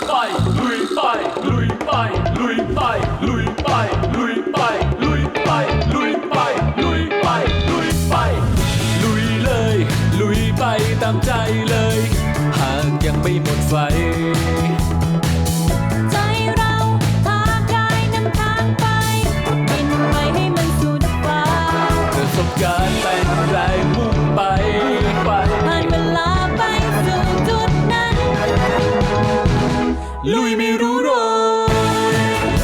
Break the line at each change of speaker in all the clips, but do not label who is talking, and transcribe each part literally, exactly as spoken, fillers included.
ไปลุยไปลุยไปลุยไปลุยไปลุยไปลุยไปลุยไปลุยไปลุยไปลุยเลยลุยไปตามใจเลยหากยังไม่หมดไฟ
ใจเราทางกายนำทางไปบินไปให้มันสุดฟ้า
ประสบการณ์เป็นแรงมุ่งไปไป
ผ่านเวลาไปสู่จุดนั้น
ลุยไม่รู้โรย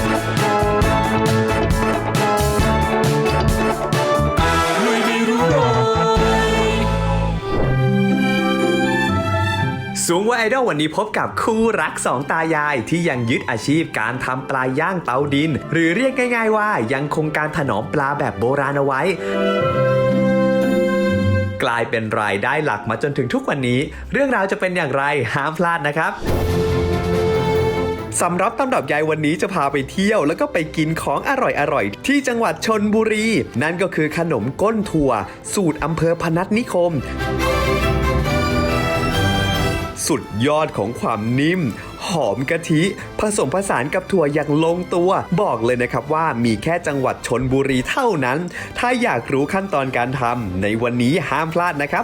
ลุยไม่รู้โรย
สูงวัยไอดอลวันนี้พบกับคู่รักสองตายายที่ยังยึดอาชีพการทำปลาย่างเตาดินหรือเรียกง่ายๆว่ายังคงการถนอมปลาแบบโบราณเอาไว้กลายเป็นรายได้หลักมาจนถึงทุกวันนี้เรื่องราวจะเป็นอย่างไรห้ามพลาดนะครับสำรับตำรับยายวันนี้จะพาไปเที่ยวแล้วก็ไปกินของอร่อยๆที่จังหวัดชลบุรีนั่นก็คือขนมก้นถั่วสูตรอำเภอพนัสนิคมสุดยอดของความนิ่มหอมกะทิผสมผสานกับถั่วอย่างลงตัวบอกเลยนะครับว่ามีแค่จังหวัดชลบุรีเท่านั้นถ้าอยากรู้ขั้นตอนการทำในวันนี้ห้ามพลาดนะครับ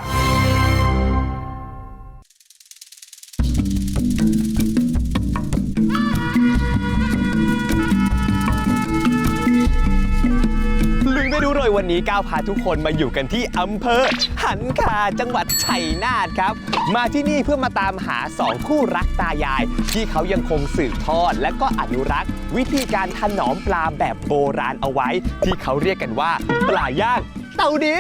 ไม่รู้เลยวันนี้ก้าวพาทุกคนมาอยู่กันที่อำเภอหันคาจังหวัดชัยนาทครับมาที่นี่เพื่อมาตามหาสองคู่รักตายายที่เขายังคงสืบทอดและก็อนุรักษ์วิธีการถนอมปลาแบบโบราณเอาไว้ที่เขาเรียกกันว่าปลาย่างเตาดิน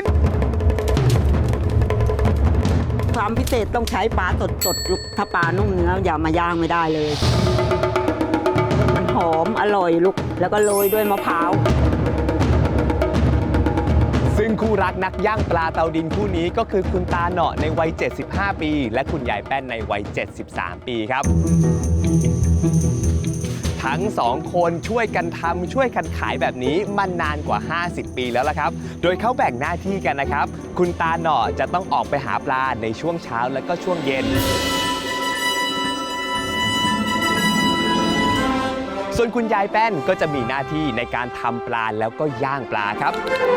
ความพิเศษต้องใช้ปลาสดๆลูกถ้าปลานุ่มเนื้ออย่ามาย่างไม่ได้เลยมันหอมอร่อยลูกแล้วก็โรยด้วยมะพร้าว
ซึ่งคู่รักนักย่างปลาเตาดินคู่นี้ก็คือคุณตาเหนาะในวัยเจ็ดสิบห้าปีและคุณยายแป้นในวัยเจ็ดสิบสามปีครับทั้งสองคนช่วยกันทำช่วยกันขายแบบนี้มานานกว่าห้าสิบปีแล้วล่ะครับโดยเขาแบ่งหน้าที่กันนะครับคุณตาเหนาะจะต้องออกไปหาปลาในช่วงเช้าและก็ช่วงเย็นส่วนคุณยายแป้นก็จะมีหน้าที่ในการทำปลาแล้วก็ย่างปลาครับ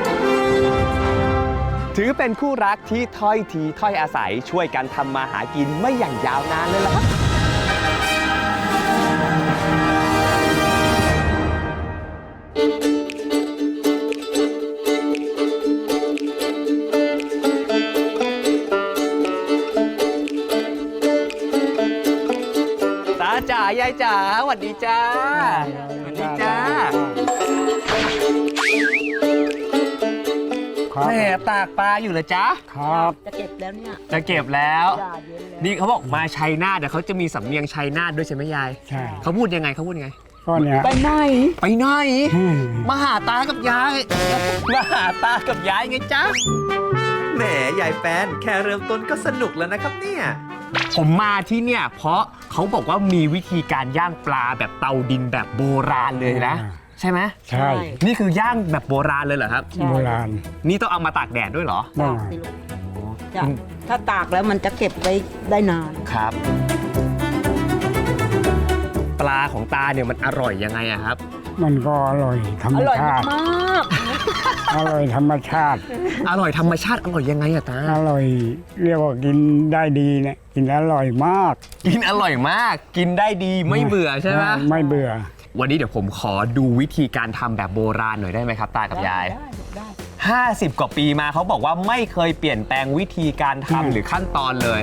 ถือเป็นคู่รักที่ถ้อยทีถ้อยอาศัยช่วยกันทำมาหากินไม่อย่างยาวนานเลยล่ะครับตาจ๋ายายจ๋าสวัสดีจ้าสวัสดีจ้าแม่ตากปลาอยู่เหรอจ๊ะ
ครับจะเก็บแล้วเนี่ย
จะเก็บแล้วนี่เขาบอกมาชัยนาทเดี๋ยวเขาจะมีสำเนียงชัยนาทด้วยใช่ไหมยาย
ใช่
เขาพูดยังไงเขาพูดยังไง
ก็เนี่ย
ไปไหน
ไปไหนมาหาตากับยายมาหาตากับยายไงจ๊ะแหมยายแป้นแค่เริ่มต้นก็สนุกแล้วนะครับเนี่ยผมมาที่เนี่ยเพราะเขาบอกว่ามีวิธีการย่างปลาแบบเตาดินแบบโบราณเลยนะใช่ไหม
ใช่
นี่คือย่างแบบโบราณเลยเหรอครับ
โบราณ
นี่ต้องเอามาตากแดดด้วยเหรอ
ตากสิลูกถ้าตากแล้วมันจะเก็บไว้ได้นาน
ครับปลาของตาเนี่ยมันอร่อยยังไงอะครับ
มันก็อร่อยธรรมชาติ
มาก
อร่อยธรรมชาติ
อร่อยธรรมชาติอร่อยยังไงอะตา
อร่อยเรียกว่ากินได้ดีเนี่ยกินอร่อยมาก
กินอร่อยมากกินได้ดีไม่เบื่อใช่ไหม
ไม่เบื่อ
วันนี้เดี๋ยวผมขอดูวิธีการทำแบบโบราณหน่อยได้ไหมครับตากับยาย
ได้ได้
ห้าสิบกว่าปีมาเขาบอกว่าไม่เคยเปลี่ยนแปลงวิธีการทำหรือขั้นตอนเลย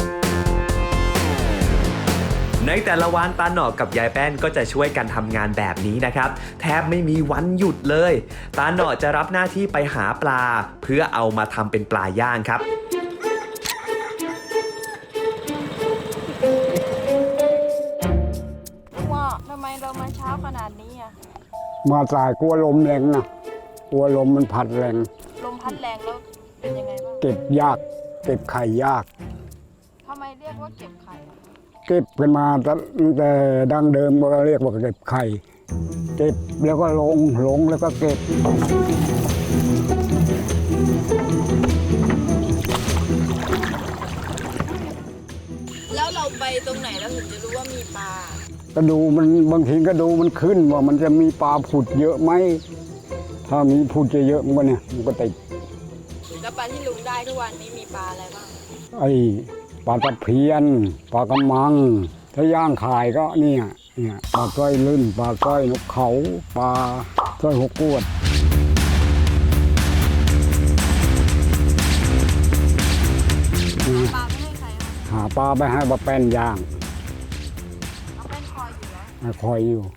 ในแต่ละวันตาหนอกกับยายแป้นก็จะช่วยกันทำงานแบบนี้นะครับแทบไม่มีวันหยุดเลยตาหนอจะรับหน้าที่ไปหาปลาเพื่อเอามาทำเป็นปลาย่างครับ
ว่าทำไมเรามาเช้าขนาดนี้อ่ะ
มาสายกลัวลมแรงนะกลัวลมมันพัดแรง
ลมพัดแรงแล้วเป็นยังไงบ้าง
เก็บยากเก็บไข่ยาก
ทำไมเรียกว่าเก็บไข่
เก็บกันมาแต่ดั้งเดิมก็เรียกว่าเก็บไข่เก็บแล้วก็ลงลงแล้วก็เก็บ
ต
แล้วเราไปตรงไหนเราถึงจะรู้ว่ามีปลา
ก็ดูมันบางทีก็ดูมันขึ้นว่ามันจะมีปลาผุดเยอะไหมถ้ามีผุดเยอะๆมันก็เนี่ยมันก็ติด
แล้วปลาที่ลุงได้ทุกวันนี้มีปลาอะไรบ้าง
ไอ้ปลาตะเพียนปลากระมัง ถ้าย่างขายก็เนี่ยเนี่ยปลาสร้อยลื่นปลาสร้อยนกเขาปลาสร้อยหกกวด
ปลาไม่ให้ใครคะ
หาปลาไปให้ปลาแป้นย่าง
เอาเป็นคอยอยู่แล้ว
คอยอยู่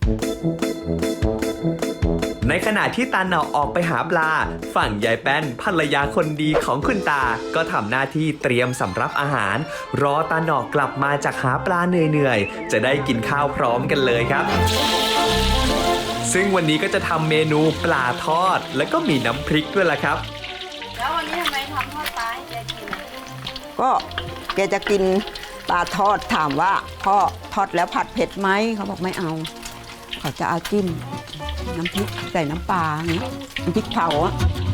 ในขณะที่ตาหนอออกไปหาปลาฝั่งยายแป้นภรรยาคนดีของคุณตาก็ทำหน้าที่เตรียมสำรับอาหาร รอตาหนอกลับมาจากหาปลาเหนื่อยๆจะได้กินข้าวพร้อมกันเลยครับ ซึ่งวันนี้ก็จะทำเมนูปลาทอด แล้วก็มีน้ำพริกด้วยล่ะครับ
แล้ววันนี้ทำไมทำทอดปลาให้แกกินอะ
ก็แกจะกินปลาทอดถามว่าพ่อทอดแล้วผัดเผ็ดไหมเขาบอกไม่เอา เขาจะเอาจิ้มน้ำพริกใส่น้ำปลาอย่างเงี้ยน้ำพริกเผาอะ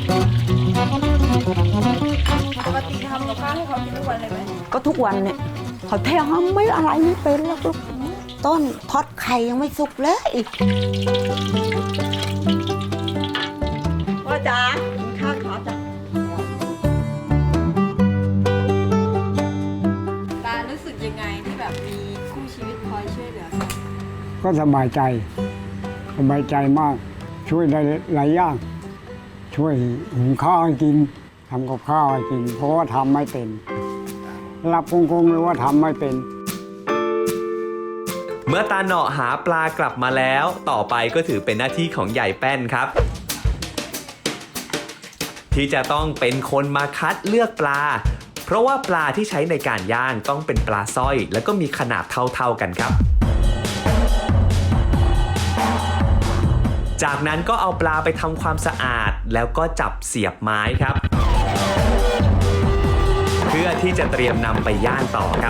ปกติทำกับข้าวให้เขากินทุกวันเลยไหม
ก็ทุกวันเนี่ยเขาแทงเขาไม่อะไรไม่เป็นแล้วลูกต้นทอดไข่ยังไม่สุกเลยพ่อจ๋ากินข้าวขอจ้ะ
ปลารู้สึกยังไงที่แบบมีคู่ชีวิตคอยช่วยเหลือกัน
ก็สบายใจสบายใจมาก ช่วยได้หลายอย่างช่วยหุงข้าวให้กินทำกับข้าวให้กิน เพราะว่าทำไม่เป็นรับโกงๆเลยว่าทำไม่เป็น
เมื่อตาหนอหาปลากลับมาแล้ว ต่อไปก็ถือเป็นหน้าที่ของยายแป้นครับ ที่จะต้องเป็นคนมาคัดเลือกปลา เพราะว่าปลาที่ใช้ในการย่างต้องเป็นปลาสร้อย แล้วก็มีขนาดเท่าๆกันครับ จากนั้นก็เอาปลาไปทำความสะอาดแล้วก็จับเสียบไม้ครับ เพื่อที่จะเตรียมนำไปย่างต่อครับ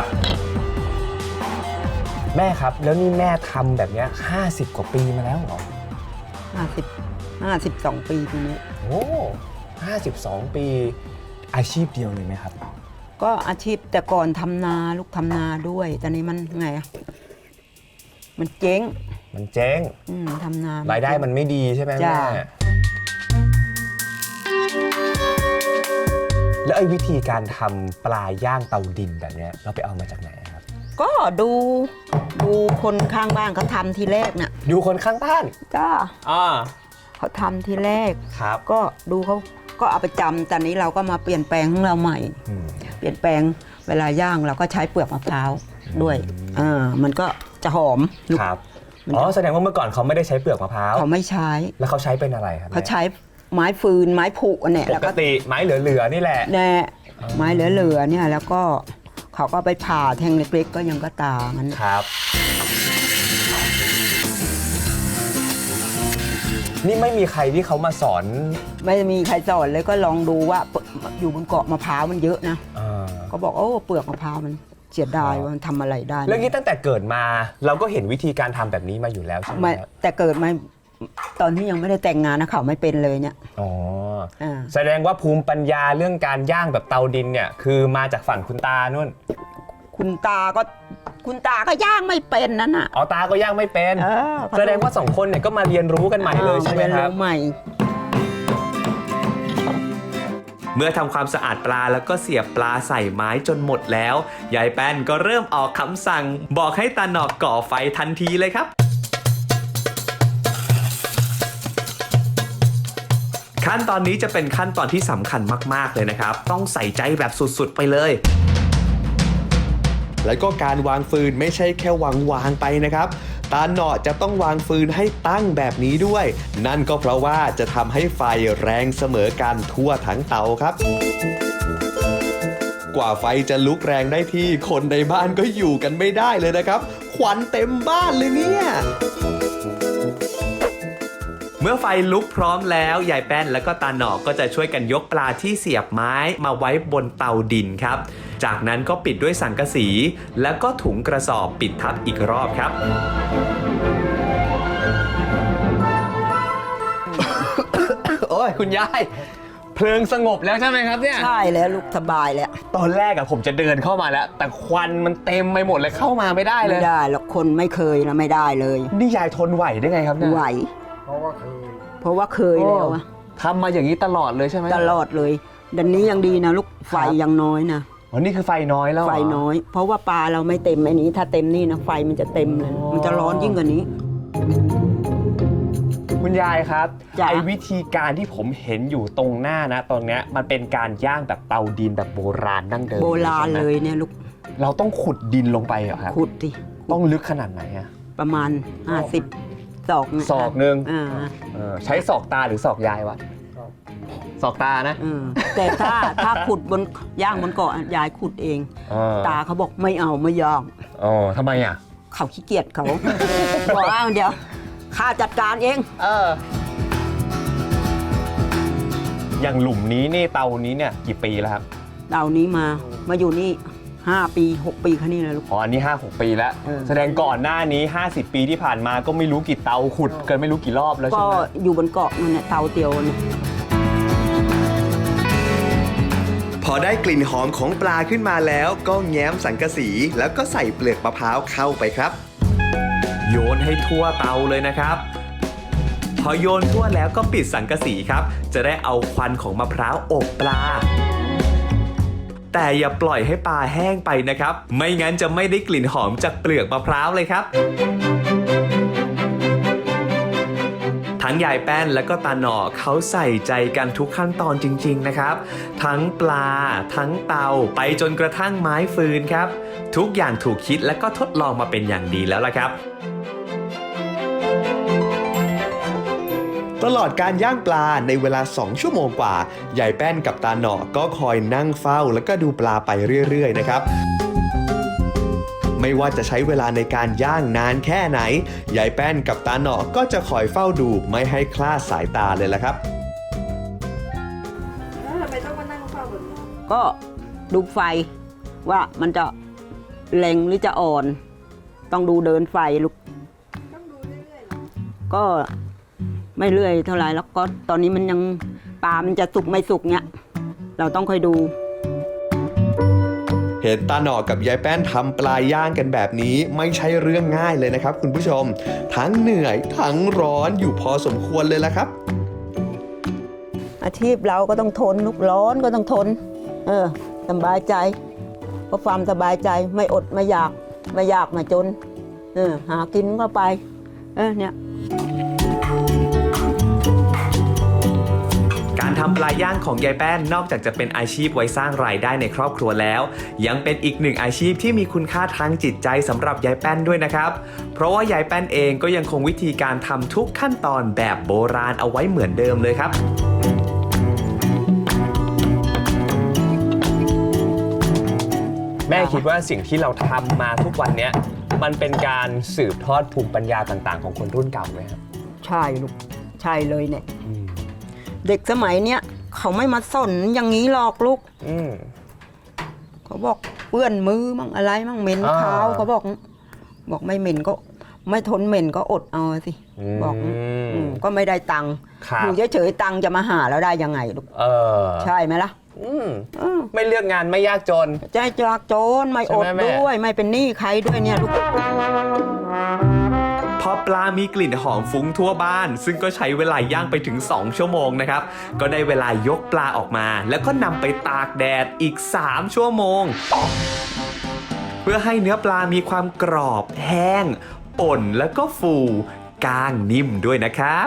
แม่ครับแล้วนี่แม่ทำแบบนี้ห้าสิบกว่าปีมาแล้วเหรอ
ห้าสิบห้าสิบสองปีทีนี้
โอ้ห้าสิบสองปีอาชีพเดียวเลยไหมครับ
ก็อาชีพแต่ก่อนทำนาลูกทำนาด้วยตอนนี้มันไงอะมันเจ๊ง
มันเจ๊ง
อืมทำนา
รายได้มันไม่ดีใช่ไหม
จ้ะ
แม่แล้วไอ้วิธีการทำปลาย่างเตาดินแบบเนี้ยเราไปเอามาจากไหนครับ
ก็ดูดูคนข้างบ้านเขาทำทีแรกน่ะ
ดูคนข้างบ้าน
จ้า
อ่า
เขาทำทีแรก
ครับ
ก็ดูเขาก็เอาไปจำตอนนี้เราก็มาเปลี่ยนแปลงของเราใหม่
อืม
เปลี่ยนแปลงเวลาย่างเราก็ใช้เปลือกมะพร้าวด้วยอ่ามันก็จะหอมลูก
ครับ อ๋อแสดงว่าเมื่อก่อนเขาไม่ได้ใช้เปลือกมะพร้าว
เขาไม่ใช้
แล้วเขาใช้เป็นอะไรครับ
เขาใช้ไม้ฟืนไม้ผุอันเนี่ย
ป
แล้ว
ก
ก็
ติไม้เหลือๆนี่แหละ
แน่ไม้เหลือๆเนี่ยแล้วก็เขาก็ไปผ่าแทงเล็กๆก็ยังก็ตางั้น
ครับ นี่ไม่มีใครที่เขามาสอน
ไม่มีใครสอนเลยก็ลองดูว่าอยู่บนเกาะมะพร้าวมันเยอะนะ
อ่า
ก็บอกโอ้เปลือกมะพร้าวมันเสียดายว่ามันทำอะไรได้
เรื่องนี้ตั้งแต่เกิดมาเราก็เห็นวิธีการทำแบบนี้มาอยู่แล้วใช่ไหม
ไม่
ครับ
แต่เกิดมาตอนที่ยังไม่ได้แต่งงานนะเขาไม่เป็นเลยเนี่ย
อ๋อ
อ่า
แสดงว่าภูมิปัญญาเรื่องการย่างแบบเตาดินเนี่ยคือมาจากฝั่งคุณตานู่น
คุณตาก็คุณตาก็ย่างไม่เป็นนั่นน่ะ
อ๋อตาก็ย่างไม่เป็น
เออ
แสดงว่าสองคนเนี่ยก็มาเรียนรู้กันใหม่เลยใช่ไหม
เรียน
ครับ
รู้ใหม่
เมื่อทำความสะอาดปลาแล้วก็เสียบปลาใส่ไม้จนหมดแล้วยายแป้นก็เริ่มออกคำสั่ง บอกให้ตาหนอกก่อไฟทันทีเลยครับ ขั้นตอนนี้จะเป็นขั้นตอนที่สำคัญมากๆเลยนะครับ ต้องใส่ใจแบบสุดๆไปเลย แล้วก็การวางฟืนไม่ใช่แค่วางวางไปนะครับตาหนอจะต้องวางฟืนให้ตั้งแบบนี้ด้วย นั่นก็เพราะว่าจะทำให้ไฟแรงเสมอกันทั่วทั้งเตาครับ กว่าไฟจะลุกแรงได้ที่คนในบ้านก็อยู่กันไม่ได้เลยนะครับควันเต็มบ้านเลยเนี่ยเมื่อไฟลุกพร้อมแล้วยายแป้นและก็ตาหนอกก็จะช่วยกันยกปลาที่เสียบไม้มาไว้บนเตาดินครับจากนั้นก็ปิดด้วยสังกะสีแล้วก็ถุงกระสอบปิดทับอีกรอบครับ โอ้ยคุณยายเพลิงสงบแล้วใช่ไหมครับเนี่ย
ใช่แล้วลูกสบายแล้ว
ตอนแรกอะผมจะเดินเข้ามาแล้ว แต่ควันมันเต็มไปหมดเลยเข้ามาไม่ได้เล
ไม่
ย
ได้แล้วคนไม่เคยนะไม่ได้เลย
นี่ยายทนไหวได้ไงครับเนี่ย
ไหว
เพราะว่าเคย
เพราะว่าเคยแล้วอะ
ทำมาอย่างนี้ตลอดเลยใช่ไหม
ตลอดเลยดันนี้ยังดีนะลูกไฟยังน้อยนะ
อ๋อนี่คือไฟน้อยแล้วเหร
ไฟน้อย เพราะว่าปลาเราไม่เต็มอันนี้ถ้าเต็มนี่นะไฟมันจะเต็มเลย
อ๋อ
มันจะร้อนยิ่งกว่านี้
คุณยายครับ
จ้ะ
ไอ้วิธีการที่ผมเห็นอยู่ตรงหน้านะตอนเนี้ยมันเป็นการย่างแบบเตาดินแบบโบราณดั้งเดิม
โบราณ
ใช่ไหม
เลยเนี่ยลูก
เราต้องขุดดินลงไปเหรอครับ
ขุดสิ
ต้องลึกขนาดไหนอะ
ประมาณห้าสิบศอกเนี่ย
ศอกหนึ่ง
อ่า
เออใช้ศอกตาหรือศอกยายวะศอกตานะ
เออแต่ถ้าถ้าขุดบนย่างบนเกาะยายขุดเอง
อ๋อ
ตาเขาบอกไม่เอาไม่ยอม
อ๋อทำไมอ่ะ
เขาขี้เกียจเขา บอกว่าเดี๋ยวข้าจัดการเอง
เอออย่างหลุมนี้นี่เตานี้เนี่ยกี่ปีแล้วครับ
เต่านี้มามาอยู่นี่ห้าปีหกปีแค่นี้เลยลูก
อ๋ออันนี้ห้าหกปีแล้ว
เออ
แสดงก่อนหน้านี้ห้าสิบปีที่ผ่านมาก็ไม่รู้กี่เตาขุดกันไม่รู้กี่รอบแล้ว
ก็
ใช่ไหม
อยู่บนเกาะนั่นแหละเตาเตียวเนี่ย
พอได้กลิ่นหอมของปลาขึ้นมาแล้วก็แง้มสังกะสีแล้วก็ใส่เปลือกมะพร้าวเข้าไปครับ
โยนให้ทั่วเตาเลยนะครับ พอโยนทั่วแล้วก็ปิดสังกะสีครับ จะได้เอาควันของมะพร้าวอบปลา แต่อย่าปล่อยให้ปลาแห้งไปนะครับ ไม่งั้นจะไม่ได้กลิ่นหอมจากเปลือกมะพร้าวเลยครับ ทั้งยายแป้นและก็ตาหน่อเขาใส่ใจกันทุกขั้นตอนจริงๆนะครับ ทั้งปลา ทั้งเตาไปจนกระทั่งไม้ฟืนครับ ทุกอย่างถูกคิดและก็ทดลองมาเป็นอย่างดีแล้วล่ะครับ
ตลอดการย่างปลาในเวลาสองชั่วโมงกว่ายายแป้นกับตาหน่อก็คอยนั่งเฝ้าแล้วก็ดูปลาไปเรื่อยๆนะครับ ไม่ว่าจะใช้เวลาในการย่างนานแค่ไหนยายแป้นกับตาหน่อก็จะคอยเฝ้าดูไม่ให้คลาดสายตาเลยละครับ
แล้วทำไมต้องมานั่งเฝ้าแบบนี้
ก็ดูไฟว่ามันจะแรงหรือจะอ่อน ต้องดูเดินไฟลูก
ต้องดูเรื่อยๆเหรอ
ก็ไม่เรื่อยเท่าไหร่แล้วก็ตอนนี้มันยังปลามันจะสุกไม่สุกเนี้ยเราต้องคอยดู
เห็นตาหน่อกับยายแป้นทำปลาย่างกันแบบนี้ไม่ใช่เรื่องง่ายเลยนะครับคุณผู้ชม ทั้งเหนื่อยทั้งร้อนอยู่พอสมควรเลยละครับ
อาชีพเราก็ต้องทนลูกร้อนก็ต้องทน เออสบายใจเพราะความสบายใจไม่อดไม่อยากไม่อยากมาจน เออหากินก็ไป เออเนี่ย
การทำปลาย่างของยายแป้นนอกจากจะเป็นอาชีพไว้สร้างรายได้ในครอบครัวแล้ว ยังเป็นอีกหนึ่งอาชีพที่มีคุณค่าทางจิตใจสำหรับยายแป้นด้วยนะครับ เพราะว่ายายแป้นเองก็ยังคงวิธีการทำทุกขั้นตอนแบบโบราณเอาไว้เหมือนเดิมเลยครับ แม่คิดว่าสิ่งที่เราทำมาทุกวันนี้มันเป็นการสืบทอดภูมิปัญญาต่างๆ ของคนรุ่นเก่าไหมครับ
ใช่ลูกใช่เลยเนี่ยเด็กสมัยเนี้ยเขาไม่มาสนอย่างนี้หรอกลูก
อืม
เขาบอกเปื้อนมือมั่งอะไรมั่งเหม็น
อ่า
เท้าเขาบอก บอกไม่เหม็นก็ไม่ทนเหม็นก็อดเอาสิ
อืม
บอกอืมก็ไม่ได้ตังค์
ครับ
อยู่เฉยๆตังค์จะมาหาแล้วได้ยังไงลูก
เออ
ใช่ไหมล่ะ
อืม
อืม
ไม่เลือกงานไม่ยากจน
ใจจากโจรไม่อด
ใช่ไหมแม่
ด้วยไม่เป็นหนี้ใครด้วยเนี่ยลูก
พอปลามีกลิ่นหอมฟุ้งทั่วบ้าน ซึ่งก็ใช้เวลาย่างไปถึงสองชั่วโมงนะครับ ก็ได้เวลายกปลาออกมา แล้วก็นำไปตากแดดอีกสามชั่วโมง เพื่อให้เนื้อปลามีความกรอบแห้งป่นแล้วก็ฟูกล้างนิ่มด้วยนะครับ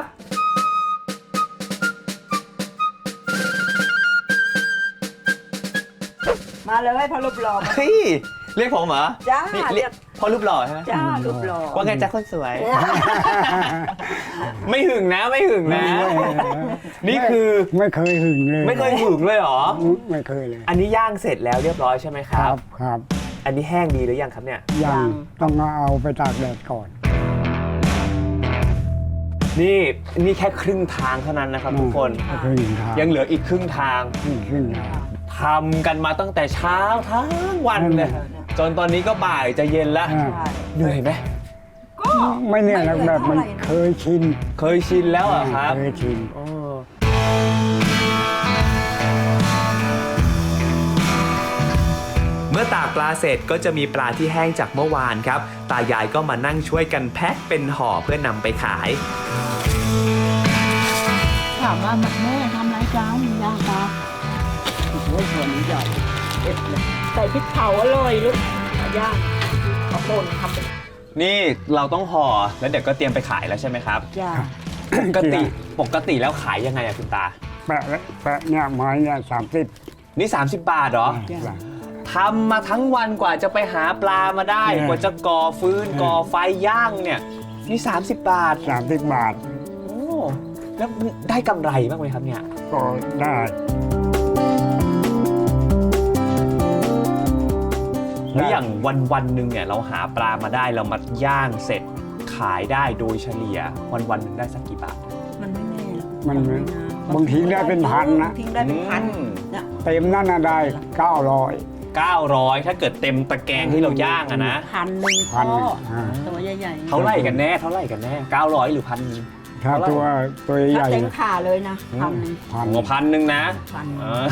มาเลยพอรูปหล่อมา
เฮ้ยเรียกผมเหรอ
จ้า
นี่
เรียก
พอรูปหล่อใช่ไหม
จ้ารูปหล่อ
ว่าไงจ๊ะคนสวย ไม่หึงนะไม่หึงนะ นี่คือ
ไม่เคยหึงเลย
ไม่เคยหึงเลยเหรอ
ไม่เคยเลย
อันนี้ย่างเสร็จแล้วเรียบร้อยใช่ไหมค
ค
รั
รับ บครับ
อันนี้แห้งดีหรือยังครับเนี่ย
ยังต้องเอาไปตากแดดก่อน
นี่นี่แค่ครึ่งทางเท่านั้นนะครับทุกคน
ครึ่งทาง
ยังเหลืออีกครึ่งทาง
ครึ่งทาง
ทำกันมาตั้งแต่เช้าทั้งวันเลย
นั่นแหละ
จนตอนนี้ก็บ่ายจะเย็นแล้ว
อ่า
เหนื่อยไหม
ไม่เนี่ยนะแบบมันเคยชิน
เคยชินแล้วเหรอะครับ
เคยชิน
เออ
เมื่อตากปลาเสร็จก็จะมีปลาที่แห้งจากเมื่อวานครับ ตายายก็มานั่งช่วยกันแพ็คเป็นห่อเพื่อนำไปขาย
ถามว่าแม่ทำไรจ้าย่างปลาโอ้โหหัวนี้ใหญ่เอ็ดเลยใส่พริกเผาอร่อยลูกย่างข้าวโพดทำเป็น
นี่เราต้องห่อแล้วเดี๋ยวก็เตรียมไปขายแล้วใช่ไหมครับ
ย่าง
ปกติปกติแล้วขายยังไงอะคุณตา
แปะแปะเนี่ยไม้เนี่ยสามสิบ
นี่ สามสิบบาทเหรอทำมาทั้งวันกว่าจะไปหาปลามาได้ กว่าจะก่อฟืนก่อไฟย่างเนี่ยนี่สามสิบบาท
สามสิบบาท
โอ้แล้วได้กำไรบ้างไหมครับเนี่ย
ก็ได้
แล้วอย่างวันวันๆหนึ่งเนี่ยเราหาปลามาได้เรามาย่างเสร็จขายได้โดยเฉลี่ยวันวันๆหนึ่งได้สักกี่บาท
มันไม่แน่หรอก
มัน
ไะ
บางทีได้เป็นพันนะ
บางทีได้เป็นพัน
อืม
เนี่ย
เต็มนั่นน่ะได้เก้าร้อย
เก้าร้อยถ้าเกิดเต็มตะแกรงที่เราย่างอะนะ
พันหนึ่ง
พัน
พ่อ
อ่า
ตัวใหญ่ๆ
เท่าไหร่กันแน่เท่าไหร่กันแน่เก้าร้อยหรือพัน
ถ้าตัวตัวให
ถ้า
ญ่
เต็มขาเลยนะพันหนึ่ง
พัน
โอ้พันหนึ่งนะ
พัน
เออ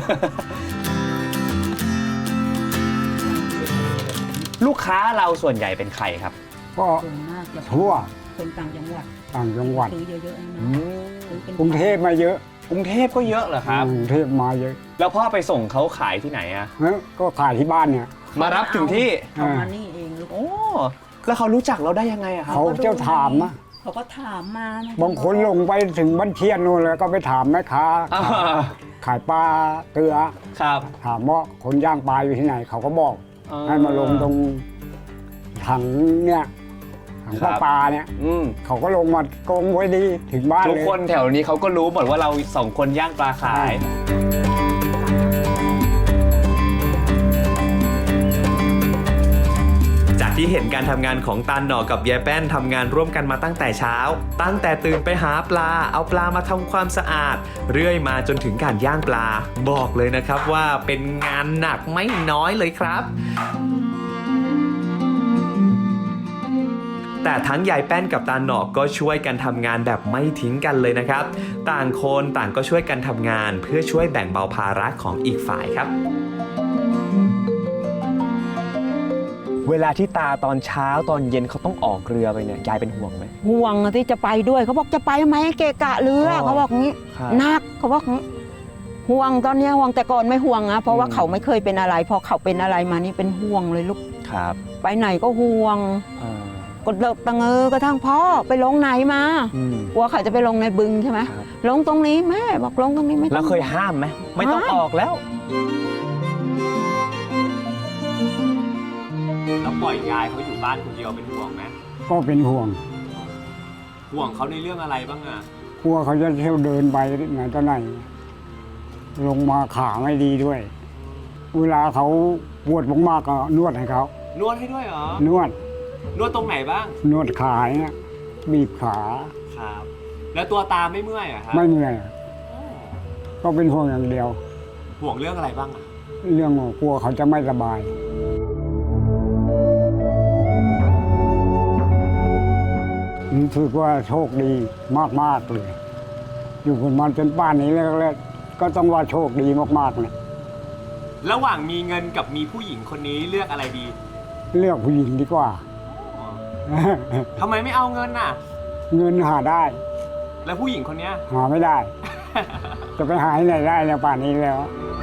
ลูกค้าเราส่วนใหญ่เป็นใครครับ
ก็
ส่วนมากจะ
ทั่ว
คนต่างจังหวัด
ต่างจังหวัด
ซื้อเยอะๆนะซื้อเป็น
กรุงเทพมาเยอะ
กรุงเทพก็เยอะเหรอครับ
กรุงเทพมาเยอะ
แล้วพ่อไปส่งเขาขายที่ไหนอะ
เอ้อก็ขายที่บ้านเนี่ย
มารับถึงที่
เขามานี่เองลูก
โอ้แล้วเขารู้จักเราได้ยังไงอะครับ
เขาเจ้าถามนะ
เขาก็ถามมานะ
บางคนลงไปถึงบ้านเชียนนู่นแล้วก็ไปถามแม่ค้า
อ่า
ขายปลาเกลือ
ครับ
ถามว่าคนย่างปลาอยู่ที่ไหน เขาก็บอก ให้มาลงตรงถังเนี่ยถังปลาปลาเนี่ย
อืม
เขาก็ลงมาโกงไว้ดีถึงบ้าน
ทุก
เลย
คนแถวนี้เขาก็รู้หมดว่าเราสองคนย่างปลาขาย
จากที่เห็นการทำงานของตาหน่อกับยายแป้นทำงานร่วมกันมาตั้งแต่เช้า ตั้งแต่ตื่นไปหาปลา เอาปลามาทำความสะอาด เรื่อยมาจนถึงการย่างปลา บอกเลยนะครับว่าเป็นงานหนักไม่น้อยเลยครับ แต่ทั้งยายแป้นกับตาหน่อก็ช่วยกันทำงานแบบไม่ทิ้งกันเลยนะครับ ต่างคนต่างก็ช่วยกันทำงานเพื่อช่วยแบ่งเบาภาระของอีกฝ่ายครับ
เวลาที่ตาตอนเช้าตอนเย็นเขาต้องออกเรือไปเนี่ยยายเป็นห่วงไหม
ห่วงที่จะไปด้วยเขาบอกจะไปไหมเกะกะเรือ
อ๋อ
เขาบอกงี้
ครับ
หนักเขาบอกงี้ห่วงตอนเนี้ยห่วงแต่ก่อนไม่ห่วงนะเพราะว่า
อืม
เขาไม่เคยเป็นอะไรพอเขาเป็นอะไรมานี่เป็นห่วงเลยลูก
ครับ
ไปไหนก็ห่วง
อ่า
กดเลิกตังเออกระทั่งพ่อไปลงไหนมา
อืม
กลัวเขาจะไปลงในบึงใช่ไหม
ครับ
ลงตรงนี้แม่บอกลงตรงนี้ไม่ต้อง
แล้วเคยห้ามไหมไม่ต้อง
ห้าม
ออกแล้วแล้วปล่อยยายเขาอยู่บ้านคนเดียวเป็นห่วงไหม
ก็เป็นห่วง
ห่วงเขาในเรื่องอะไรบ้างอะ
กลัวเขาจะเที่ยวเดินไปไหนต่อไหน ลงมาขาไม่ดีด้วย เวลาเขาปวดมากๆก็นวดให้เขา
นวดให้ด้วยเหรอน
วด
นวดตรงไหนบ้าง
นวดขาเนี่ยบีบขา
ครับ แล้วตัวตาไม่เมื่อยอะครับ
ไม่เหนื่อยก็เป็นห่วงอย่างเดียว
ห่วงเรื่องอะไรบ้างอะ
เรื่องว่ากลัวเขาจะไม่สบายรู้สึกว่าโชคดีมากๆเลย อยู่กันมาจนป่านนี้แล้วก็ต้องว่าโชคดีมากๆเลย
ระหว่างมีเงินกับมีผู้หญิงคนนี้เลือกอะไรดี
เลือกผู้หญิงดีกว่า
ทำไมไม่เอาเงินน่ะ
เงินหาได้
แล้วผู้หญิงคนเนี้ย
หาไม่ได้ จะไปหาที่ไหนได้แล้วป่านนี้แล้ว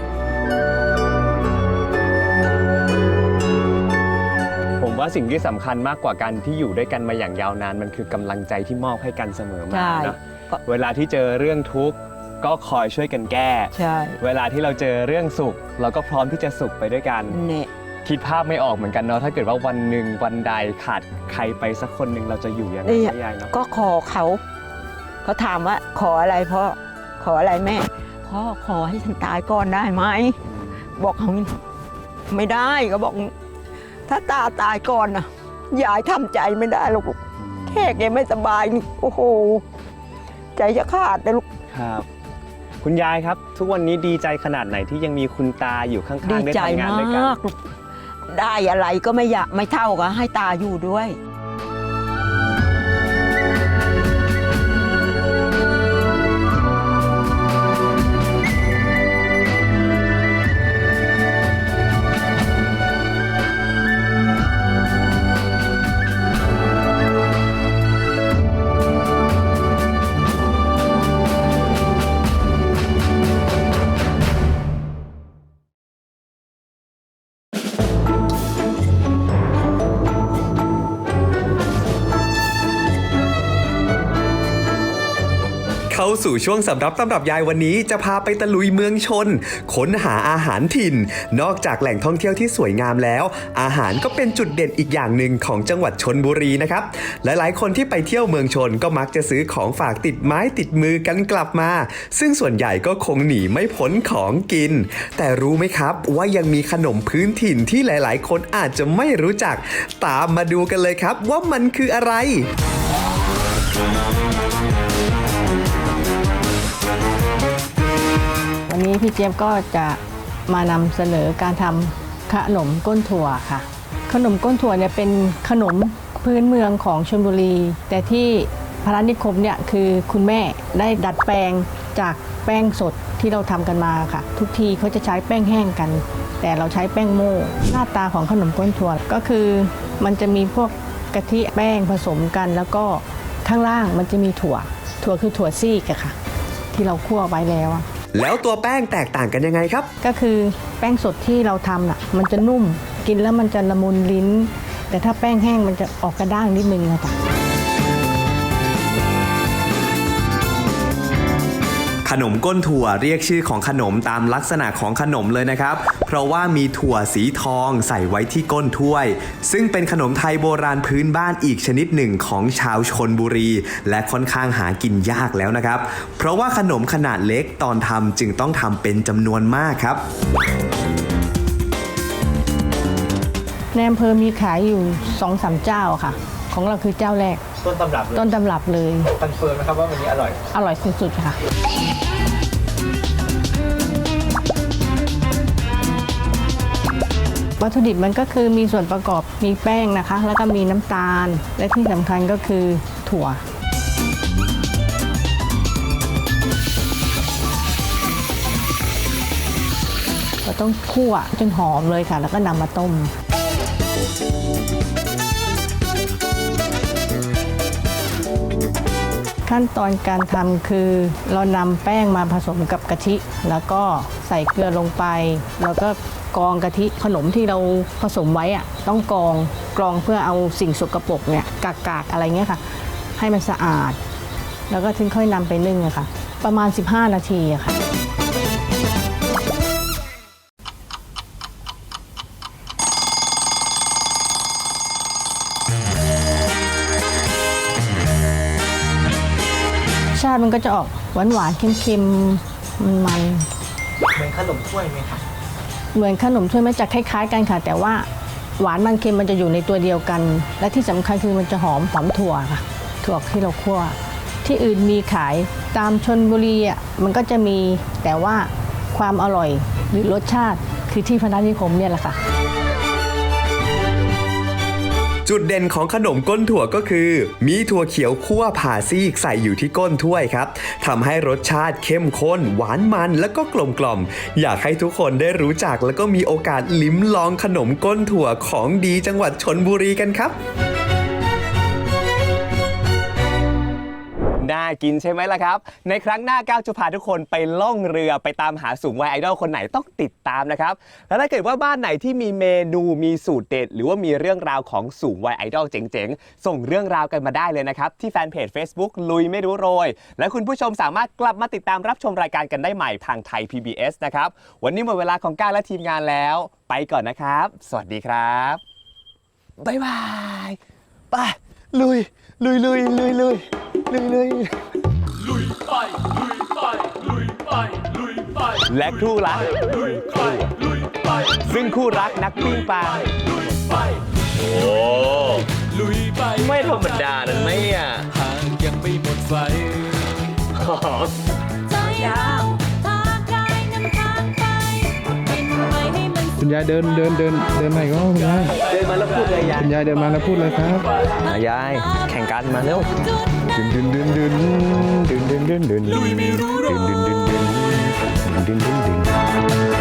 ผมว่าสิ่งที่สำคัญมากกว่าการที่อยู่ด้วยกันมาอย่างยาวนานมันคือกำลังใจที่มอบให้กันเสมอมา
ใช่
เนอะ
ก็
เวลาที่เจอเรื่องทุกข์ก็คอยช่วยกันแก้
ใช่
เวลาที่เราเจอเรื่องสุข เราก็พร้อมที่จะสุขไปด้วยกัน
เนี่ย
คิดภาพไม่ออกเหมือนกันเนาะถ้าเกิดว่าวันหนึ่งวันใดขาดใครไปสักคนหนึ่งเราจะอยู่ยังไง
นี่
ยายเนาะ
ก็ขอเขาเขาถามว่าขออะไรพ่อขออะไรแม่พ่อขอให้ฉันตายก่อนได้ไหมบอกเขางี้ไม่ได้ก็บอก ถ้าตาตายก่อนนะยายทำใจไม่ได้หรอกลูกแค่แกไม่สบายนี่โอ้โหใจจะขาดเลยลูก
ครับ คุณยายครับ ทุกวันนี้ดีใจขนาดไหนที่ยังมีคุณตาอยู่ข้าง
ดี
ๆได้
ใจ
ทำงาน
มา
ด้วยกัน
กลูกได้อะไรก็ไม่อยากไม่เท่ากับให้ตาอยู่ด้วย
สู่ช่วงสำรับตำรับยายวันนี้จะพาไปตะลุยเมืองชนค้นหาอาหารถิ่นนอกจากแหล่งท่องเที่ยวที่สวยงามแล้วอาหารก็เป็นจุดเด่นอีกอย่างหนึ่งของจังหวัดชลบุรีนะครับหลายๆคนที่ไปเที่ยวเมืองชนก็มักจะซื้อของฝากติดไม้ติดมือกันกลับมาซึ่งส่วนใหญ่ก็คงหนีไม่พ้นของกินแต่รู้ไหมครับว่ายังมีขนมพื้นถิ่นที่หลายๆคนอาจจะไม่รู้จักตามมาดูกันเลยครับว่ามันคืออะไร
วันนี้พี่เจี๊ยบก็จะมานำเสนอการทำขนมก้นถั่วค่ะขนมก้นถั่วเนี่ยเป็นขนมพื้นเมืองของชลบุรีแต่ที่พระนิคมเนี่ยคือคุณแม่ได้ดัดแปลงจากแป้งสดที่เราทำกันมาค่ะทุกทีเขาจะใช้แป้งแห้งกันแต่เราใช้แป้งโม่หน้าตาของขนมก้นถั่วก็คือมันจะมีพวกกะทิแป้งผสมกันแล้วก็ข้างล่างมันจะมีถั่วถั่วคือถั่วซีกอะค่ะที่เราคั่วไว้แล้ว
แล้วตัวแป้งแตกต่างกันยังไงครับ
ก็คือแป้งสดที่เราทำน่ะมันจะนุ่มกินแล้วมันจะละมุนลิ้นแต่ถ้าแป้งแห้งมันจะออกกระด้างนิดนึงนะคะ
ขนมก้นถั่วเรียกชื่อของขนมตามลักษณะของขนมเลยนะครับเพราะว่ามีถั่วสีทองใส่ไว้ที่ก้นถ้วยซึ่งเป็นขนมไทยโบราณพื้นบ้านอีกชนิดหนึ่งของชาวชลบุรีและค่อนข้างหากินยากแล้วนะครับเพราะว่าขนมขนาดเล็กตอนทำจึงต้องทำเป็นจำนวนมากครับ
ในอำเภอมีขายอยู่ สองสาม เจ้าค่ะของเราคือเจ้าแรก
ต้นตำรับ
ต้นตำรับเลย
คอนเฟิร์มนะครับว่าวันนี้อร่อย
อร่อยสุดๆค่ะวัตถุดิบมันก็คือมีส่วนประกอบมีแป้งนะคะแล้วก็มีน้ำตาลและที่สำคัญก็คือถั่วเราต้องคั่วจนหอมเลยค่ะแล้วก็นำมาต้มขั้นตอนการทำคือเรานำแป้งมาผสมกับกะทิแล้วก็ใส่เกลือลงไปแล้วก็กรองกะทิขนมที่เราผสมไว้อะต้องกรองกรองเพื่อเอาสิ่งสกปรกเนี่ยกากๆอะไรเงี้ยค่ะให้มันสะอาดแล้วก็ถึงค่อยนำไปนึ่งอะค่ะประมาณสิบห้านาทีอะค่ะชาติมันก็จะออกหวานหวานเค็มๆมันมัน
เหมือนขนมถ้วยไหมคะ
เหมือนขนมถ้วยมันจะคล้ายๆกันค่ะแต่ว่าหวานมันเค็มมันจะอยู่ในตัวเดียวกันและที่สำคัญคือมันจะหอมหอมถั่วค่ะถั่วที่เราคั่วที่อื่นมีขายตามชลบุรีอ่ะมันก็จะมีแต่ว่าความอร่อยหรือรสชาติคือที่พนัสนิคมเนี่ยแหละค่ะ
จุดเด่นของขนมก้นถั่วก็คือมีถั่วเขียวคั่วผ่าซีกใส่อยู่ที่ก้นถ้วยครับทำให้รสชาติเข้มข้นหวานมันและก็กลมกล่อมอยากให้ทุกคนได้รู้จักแล้วก็มีโอกาสลิ้มลองขนมก้นถั่วของดีจังหวัดชลบุรีกันครับ
น่ากินใช่ไหมล่ะครับในครั้งหน้าก้าวจะพาทุกคนไปล่องเรือไปตามหาสูงวัยไอดอลคนไหนต้องติดตามนะครับแล้วถ้าเกิดว่าบ้านไหนที่มีเมนูมีสูตรเด็ดหรือว่ามีเรื่องราวของสูงวัยไอดอลเจ๋งๆส่งเรื่องราวกันมาได้เลยนะครับที่แฟนเพจ Facebook ลุยไม่รู้โรยและคุณผู้ชมสามารถกลับมาติดตามรับชมรายการกันได้ใหม่ทางไทย พี บี เอส นะครับวันนี้หมดเวลาของก้าวและทีมงานแล้วไปก่อนนะครับสวัสดีครับบ๊ายบายไปลุยลุยลุยลุยลุยลุยลุย
ลุยไปลุยไปลุยไปลุยไป
และคู่รัก
ลุยไปลุยไป
ซึ่งคู่รักนักปิ้งปลา
ลุยไป
โอ้
ลุยไป
ไม่ธรรมดานะเนี่ย
หากยังไม่หมดไฟ
ใจเราทางกายนำทางไปบินไปให้มัน
คุณยายเดินเดินเดินเดินไหนก็คุณยาย
เดินมาแล้วพูดเลยยาย
คุณยายเดินมาแล้วพูดเลยครับ
ยายแข่งกันมาเร็วดึนดึนดึนดึนดึนดึนดึนดึนดึนดึนดึนดึนดึนดึน